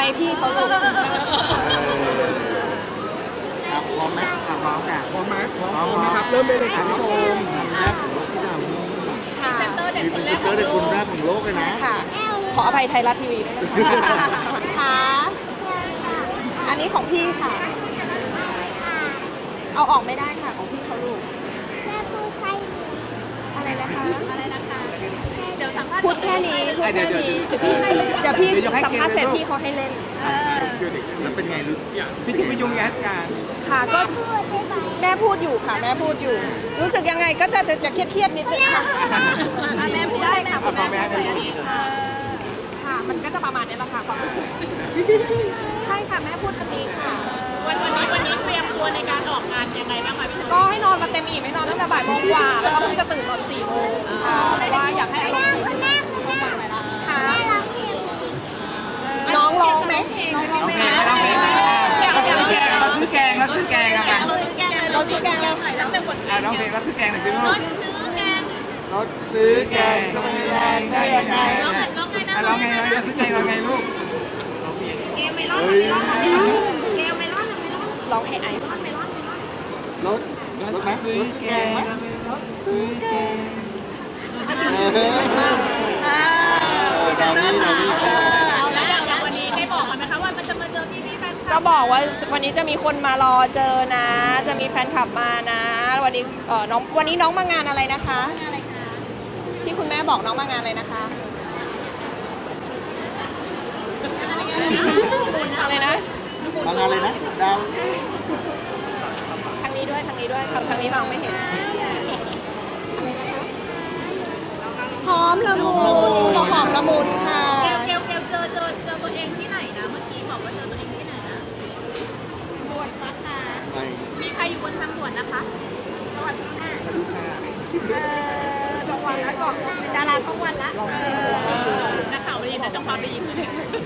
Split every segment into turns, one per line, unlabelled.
พี่เขาลูก
พร้อมไหมพร้อมค่ะ
พร้อมไหมพร้อมไหมครับเริ่มได้เลยครับ
ผู้ชมทำแรกของโลกที่ทำนี่
ค่ะ
มีเป็นเตอร์เด็กคนแรกของโลกเลย
ใช่
นะ
ค่ะ ขออภัยไทยรัฐทีวีด้วยนะคะค่ะอันนี้ของพี่ค่ะ เอาออกไม่ได้ค่ะของพี่เขาลูก
แม่พูดใครหนู
อะไรนะคะ
อะไรนะคะเดี๋ยวสัมภาษณ์
พูดแค่นี้พูดแค่นี้เดี๋ยวพี่สัมภาษณ์เสร็จพี่เขาให้เล่น
แล้วเป็นไงลูกพี่ถึงไปยุ่งแอดการ
ค่ะก็
พูดได้ไหม
แม่พูดอยู่ค่ะ แม่พูดอยู่ รู้สึกยังไงก็จะเครียดๆนิดนึงค่ะ
แม่พูดได้ค่ะ
พอแม่ให้ลูก
ค่ะ มันก็จะประมาณนี้แหละค่ะความรู้สึกใช่ค่ะแม่พูดแบบนี้ค่ะ
วันนี้เตรียมตัวในการออกงานยังไงบ้างคะพี่เธอ
ก็ให้นอนมาเต็มอิ่มให้นอนตั้งแต่บ่ายโมงกว่าแล้วก็เพิ่งจะตื่นตอน4 โมงค่ะเพราะว่าอยากให้อารมณ์ดี
คุณแม่คุณแม่
ค่ะ
แม่ร้องเพลงจริง
น้องร้องไหมน้องร้องไหม
เราซื้อแกงเราซื้อแกงอะไร
เราซื้อแกงแล้ว
ตั้งแต่บท
น้องเพลงเราซื้อแกงหน่อยสิลูก
ซื้อแกง
เราซื้อแกงทำไมแรงได้ยังไง
ร้องไงนะ
เราไงเราซื้อแกงเราไงลูก
เกมไม่ร้องไม่ร้องไม่ร้องเกมไม่ร้องไม่ร้อง
ร้องให้ไอ
ไม่ร้องไม่ร้อง
รถไหมรถซื้อแกงรถซื้อแกงดาวนี่ใช่
แล้วอย่างวันนี้ได้บอกกันไหมคะว่ามันจะมาเจอพี่แฟนคลั
ก็
บ
บอกว่าวันนี้จะมีคนมารอเจอนะ จะมีแฟนคลับมานะ วันนี้น้องวันนี้น้องมางานอะไรนะคะ
อะไรคะ
ที่คุณแม่บอกน้องมางานอะไรนะคะอะไรนะ
มางานเลยนะดาว
ทางนี้ด้วยทางนี้ด้วยทางนี้มองไม่เห็นหอมละมุนหอมละมุนค่ะ
เกลเจอตัวเองที่ไหนนะเมื่อกี้บอกว่าเจอตัวเองที่ไหนนะบวชนะคะ
ไป
มีใครอยู่บนทางด่วนนะคะสวัสดีค่ะ
ดูค่ะ
สองวันแล้วก่อนดาราช่องวันละ
นักข่าวไปยินนะจังหวะไปยินเลย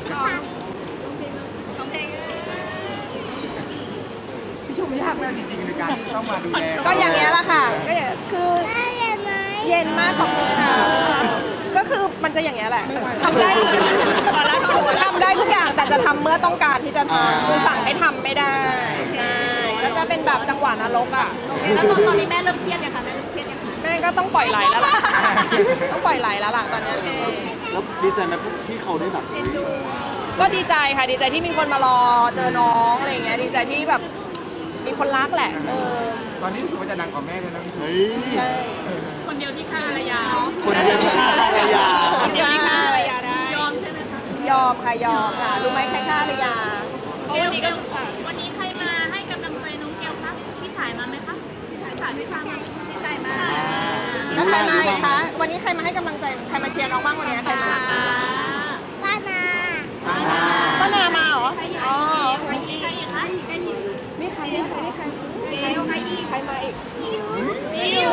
พี่ชมยากมากจริงๆในการที่ต้องมาดูแล
ก็อย่างเงี้ยแหละค่ะก็อย่างคือ
แม่เย็นไหม
เย็นมากขอบคุณค่ะก็คือมันจะอย่างเงี้ยแหละทำได้ทำได้ทุกอย่างแต่จะทำเมื่อต้องการที่จะทำคือสั่งให้ทำไม่ได้ใช่ก็จะเป็นแบบจังหวะนรกอ่ะ
แล้วตอนนี้แม่เริ่มเครียดยังคะแม่เริ่มเครียดยังคะ
แม่ก็ต้องปล่อยไหลแล้วล่ะต้องปล่อยไหลแล้วล่ะตอนเนี้ย
แล้วดีใจไหมที่เขาได้แบบ
ก็ดีใจค่ะดีใจที่มีคนมารอเจอน้องอะไรอย่างเงี้ยดีใจที่แบบมีคนรักแหละ
ตอนนี้รู้สึกว่าจะดังกว่าแม่ด้วยนะพี่
เฮ้ย
ใช่
คนเดียวที่ฆ่าภรรยา
คนเดียวที่ฆ่าภรรยา
คนที่ฆ่าภรรยาได้
ยอมใช่ไหมคะ
ยอมค่ะยอมค่ะรู้ไหมใครฆ่าภรรยา
วันนี้ใครมาให้กำลังใจน้องเกลคะพี่สายมาไหมคะพี่สายพี่สายมา
แล้วใครมาอีกคะวันนี้ใครมาให้กำลังใจใครมาเชียร์น้องบ้างวันนี้ใครมา
ป้านา
ป้านามาเหรออ๋อ
ใครอีกคะ
นี่ใครเนี่ยนี่ใครใครอีกใครมาอีก
นี่อยู่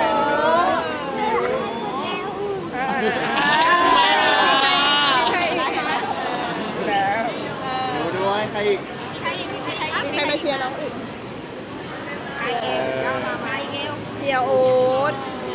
ใครอีกคะ
แล้วดูด้วยใครอีก
ใครมาเชียร์น้องอีกเดียวโอ๊ต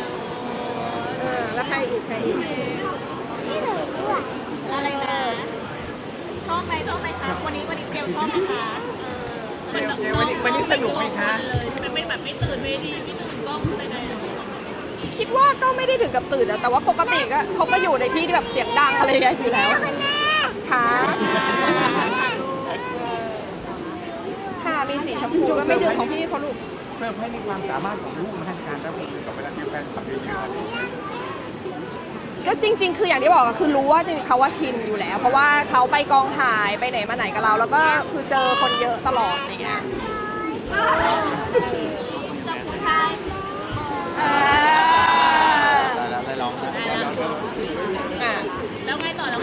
แล้วใครอีกใครอีก
ที่หนูด้วย
อะไรนะชอบไหมคะวันนี้เกลชอบไหมคะ
วันนี้สนุกไหมคะ
เลยมันไม่แบบไม่ตื่นเวทีไม่ตื่นกล้องอะไรเลย
คิดว่าก็ไม่ได้ถึงกับตื่นนะแต่ว่าปกติก็เขาก็อยู่ในที่ที่แบบเสียงดังอะไรอย่างเงี้ยอยู่แล้วค่ะค่ะมีสีชมพูก็ไม่ดื่มของพี่เขาลูก
เพิ่มให้ในความสามารถของลูกมาให้การรับมือกับเวลาที่แฟนคลับเยอะ
ก็จริง ๆ คืออย่างที่บอกอะคือรู้ว่าจริงๆเขาว่าชินอยู่แล้ว เพราะว่าเขาไปกองถ่ายไปไหนมาไหนกับเรา แล้วก็คือเจอคนเยอะตลอดอย่างเงี้ย
กับผู้ชาย
ได้ร้องนะ
อ่ะ
แล้วไงต่อ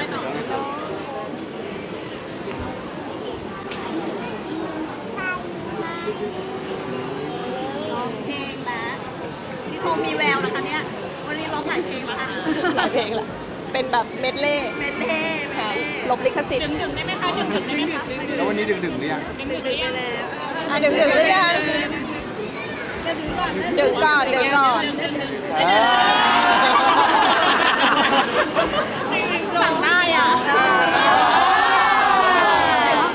ร้องเพลงแล้วพี่โคมีแววนะคะเนี่ยวันนี้ร้องหลายเพลงแล้วค่ะ
หลายเพลงละเป็นแบบเมดเล่ ค่ะลบลิขสิทธิ์
ดึงได้ไหมคะดึงได้ไหมคะ
แล้ววันนี้ดึงหรือยัง
ดึงได้ยัง
อ่ะดึงหรือยังดึงก่อน
สั่งได้อ่ะ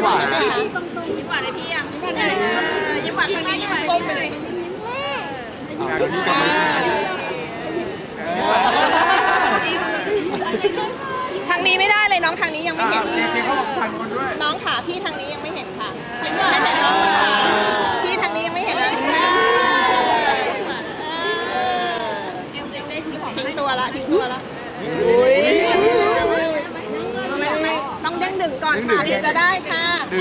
หวาน
ได้ไหมคะ
ยิ้มหวานเลยพี่อ่ะยิ้มหวานทางนี้ยิ้มหวานก้มไปเลย
ทางนี้ไม่ได้เลยน้องทางนี้ยังไม่เห็น
จริงๆเขาบอกทางโน้นด้วย
น้องขาพี่ทางนี้ยังไม่เห็นค่ะไม่เห็นน้องขาพี่ทางนี้ยังไม่เห็นเลยทิ้งตัวละอุ้ยต้องเด้งดึงก่อนค่ะถึงจะได้ค่ะ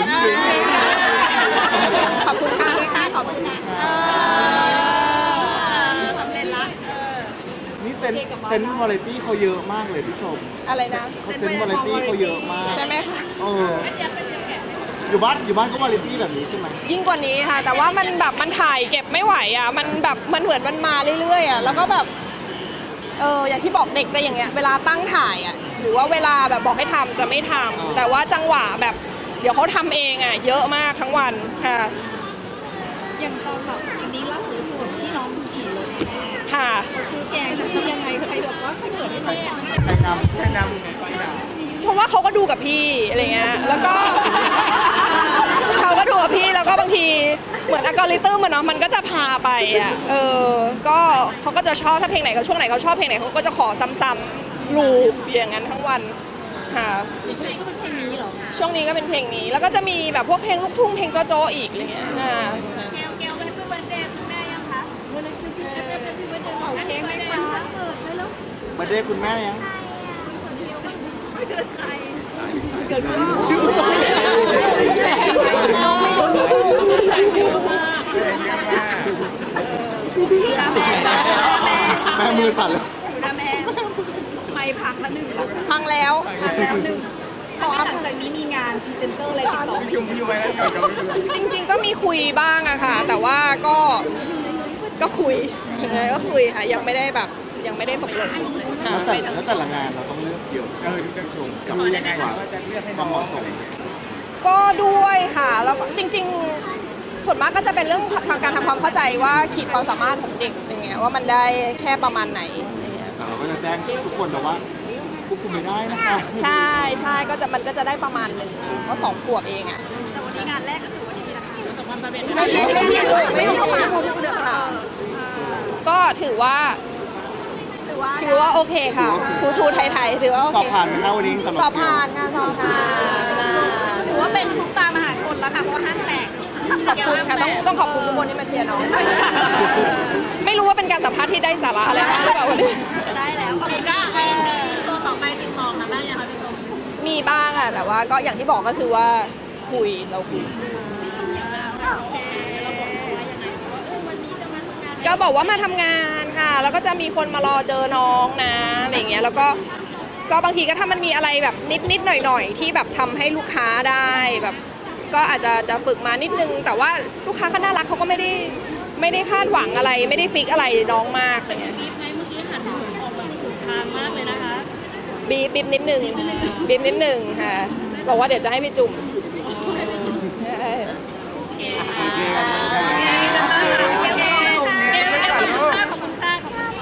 ขอบคุณค่ะด้วยค่ะขอบคุณค่ะสำเร็จละ
นี่เซนส์วาไรตี้เขาเยอะมากเลยพี่ชม
อะไรนะ
เขาเซนส์วาไรตี้เขาเยอะมาก
ใช่ไหมคะ
อยู่บ้านก็วาไรตี้แบบนี้ใช่ไหม
ยิ่งกว่านี้ค่ะ แต่ว่ามันแบบมันถ่ายเก็บไม่ไหวอ่ะมันแบบมันเหมือนมันมาเรื่อยๆอ่ะแล้วก็แบบอย่างที่บอกเด็กจะอย่างเงี้ยเวลาตั้งถ่ายอ่ะหรือว่าเวลาแบบบอกให้ทำจะไม่ทำแต่ว่าจังหวะแบบเดี๋ยวเขาทำเองอ่ะเยอะมากทั้งวันค่ะ
อย่างตอนแบบอันนี้ล่าสุดคือแบบที่น้องขี่รถแม่
ค่ะ
ซื้อแกงคือยังไงใครแบบว่าเขาเปิดให้น้องฟัง
ใครนำ
ใช่นำ
ชมว่าเขาก็ดูกับพี่อะไรเงี้ยแล้วก็ เขาก็ดูกับพี่แล้วก็บางทีเหมือนอัลกอริทึมเนาะมันก็จะพาไปอ่ะก็เขาก็จะชอบถ้าเพลงไหนเขาช่วงไหนเขาชอบเพลงไหนเขาก็จะขอซ้ำๆลูปอย่างนั้นทั้งวันค่ะ
ช่วงนี้ก็เป็นเพลงนี้เหรอ
ช่วงนี้ก็เป็นเพลงนี้แล้วก็จะมีแบบพวกเพลงลูกทุ่งเพลงโจ๊ะๆอีกอะไรเงี้ย
เกลเป็นเบอร์เดย์คุณแม่ยังคะ
เป่าเค้กไหมคะเปิดเลยแล้ว
บันเดย์คุณแม่ยัง
เกิดขึ้น
น้องไม่รู้
แม่มือสั่นเลย
อยู่นะแม่ไม่พักละหนึ่ง
พังแล้ว
ขอหลังจากนี้มีงานพรีเซนเตอร์อะไรติดต่อไหม
พี่ไว้แล้วอยู่กับพี่
จริงๆก็มีคุยบ้างอะค่ะ แต่ว่าก็คุยก็คุยค่ะยังไม่ได้แบบยังไม่ได้ตกลงค่ะ
แล้วแต่ละงานเราต้องเลือกเยอะ
ดูจะชม
กับ
ดูยังไงว่าจะเลือกให้
ค
น้
วา
อ
ม
ง
เหมาะสม
ก็ด้วยค่ะแล้วก็จริง ๆ ส่วนมากก็จะเป็นเรื่องทางการทำความเข้าใจว่าขีดความสามารถของเด็กอย่างเงี้ยว่ามันได้แค่ประมาณไหนอย่างเงี้ย
แต่เราก็จะแจ้งทุกคนแต่ว่าควบคุมไม่ได้นะคะ
ใช่ก็จะมันก็จะได้ประมาณหนึ่งเพราะ2 ขวบเองอ่ะ
แต่วันนี้งานแรกก็ถือว่าดีนะคะ
ไม่ต้องมาก็ถือว่าโอเคค่ะทูไทยๆถือว่าโอ
สอ
เค
บผ่านไหมคะวันนี้สำหรับ
สอบผ่านค่ะสอบผ่าน
ถือว่าเป็นซุปตามหาชนแล้วค่ะเพราะห้างแตก
ขอบคุณค่ะต้องขอบคุณทุกคนที่มาเชียร์น้องไม่รู้ว่าเป็นการสัมภาษณ์ที่ได้สาระอะไรบ้างหรือเปล่าวันนี้
ได้แล้วขอบคุณค่ะตัวต่อไปติดต่อมาได้ยังคะพี่ชม
มีบ้างค่ะแต่ว่าก็อย่างที่บอกก็คือว่าเราคุยก็บอกว่ามาทำงานค่ะ แล้วก็จะมีคนมารอเจอน้องนะอะไรอย่างเงี้ยแล้วก็บางทีก็ถ้ามันมีอะไรแบบนิดหน่อยที่แบบทำให้ลูกค้าได้แบบก็อาจจะฝึกมานิดนึงแต่ว่าลูกค้าก็น่ารักเขาก็ไม่ได้คาดหวังอะไรไม่ได้ฟิกอะไรน้องมากอะไรเงี้ย
บีบไงเมื่อกี้หันออกมาถูกทางมากเลยนะคะ
บีบนิดนึงค่ะบอกว่าเดี๋ยวจะให้ไปจุ่ม
ขอบคุณค่ะ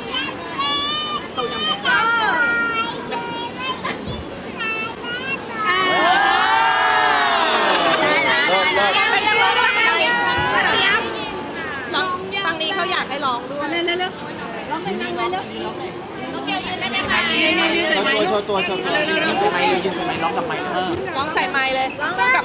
ฝั่งนี้เขาอยากให้ร้องด้วย
เร็วร้องเพลงนั่งเลยเร็ว
น้องเกลยืนได้ไหมคะ
โชว์ตัว
ร้องใส่ไมค์เลยกับ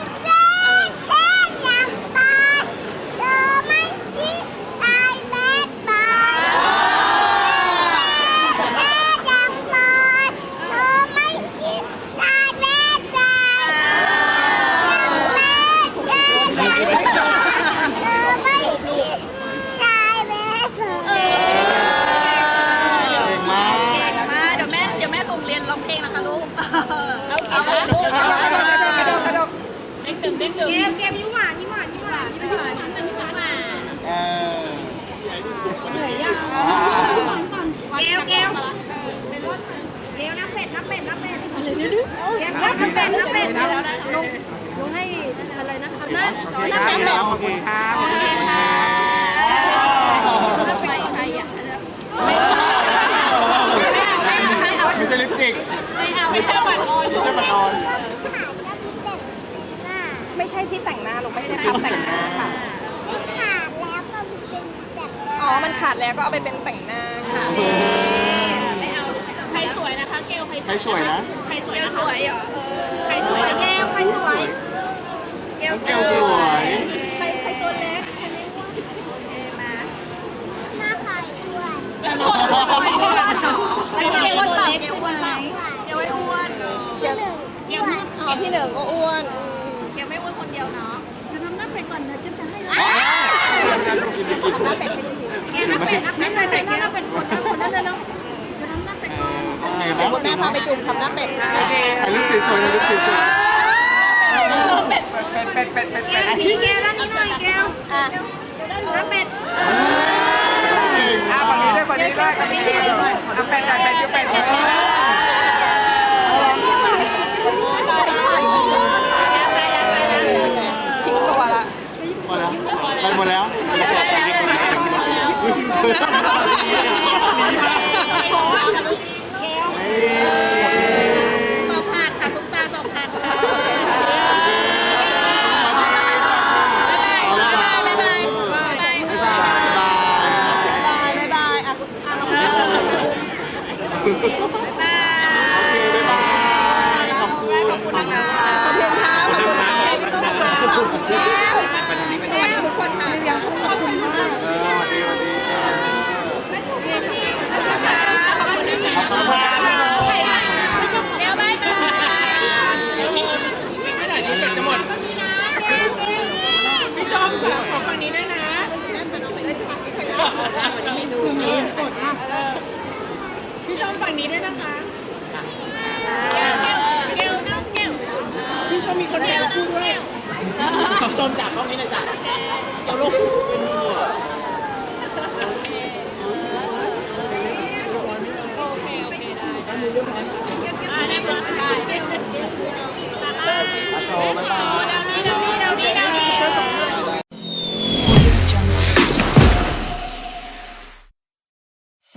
มาเดี๋ยวแม่ส่งเรียนร้องเพลงนะคะลูกเอาเด้งดึงเกมยิ้มหวาน
เ
ยิ้มหวาน
เหนื่อยยัง
เกล
นับเป็ดเร็วนับเป็ดลุงให้อะไรนะคะนับ
โอเคครับ
ไม่ใช่ลิปสติก
ไม่เอาบัตรออน
ไม่ใช่บัตรออน
ลูกไม่ใช่คาบแต่งหน้าค่ะ
ขาดแล้วก็เป็นแบบ
อ๋อ มันขาดแล้วก็เอาไปเป็นแต่งหน้าค่ะ
ไม่เอาใครสวยนะคะ เกล
ใครสวยนะ
ใครสวยนะคะใครส
ส
ว
วย ย
นะคะ
แก้วใครสวย
น้องแก้วสวย
ใครตัวเล็ก
หน้าใครด้วย
แล้วเกลอ้วนเปล่าเกลอ้วนเปล่าเกลไม่อ้วน
เดี๋ยว
เกล
อ๋อพี่เหนิงก็อ้วน
เกลไม่อ้วนคนเดียวเนาะ
จะทำหน้าเป็ดก่อนนะจะให้
ทำหน้าเป็ดให้ดูที
แกหน้าเป็ดหน้าเป็ดหน้าเป็ดหน้าเป็ดกดแล้วจะทำหน้าเป็ดก่อน
โอเค
เดี๋ยว
นะ
คุณแม่พาไปจุ่มทำหน้าเป็ดให้
ถ่ายรูปสวยๆนะรูปสวย
เป็ด
เป็ด
แก้วทีแก้วด้านนี้หน่อยแก้ว
อ่ะ
หน้าเป็ด
ฝั่งนี้ด้วยฝั่งนี้ด้วยฝั่งนี้ด้วยเป็ดเป็ดเป็ด
ทิ้งตัวละ
ๆพอแล้วไปหมดแล้ว
สอบผ่านค่ะทุกตาสอบผ่านค่ะบ๊ายบายบ๊ายบาย
บ๊ายบาย
บ๊ายบายอ่ะ
โอเคบ๊ายบายขอบคุณขอบคุณนะคะ
ขอบคุณค่ะขอบคุณค่ะขอบคุณค่ะสวัสดีทุกคนค่ะยังขอบคุณมาก
สวัสดี
แม่ชมพี่แม่ชมค่ะขอบคุณนะคะ
ขอบคุณค่ะ
เดี๋ยวบ๊ายบาย
พี่ชอบค่ะขอฝั่งนี้ด้วยนะ พี่ชอบฝั่งนี้ด้วยนะคะ
เกลน้องเกล
พี่ชอบมีคนเดียวคู่ด้วยพี่ชมจากกล้องนี้เลยจ้ะเดี๋ยวลง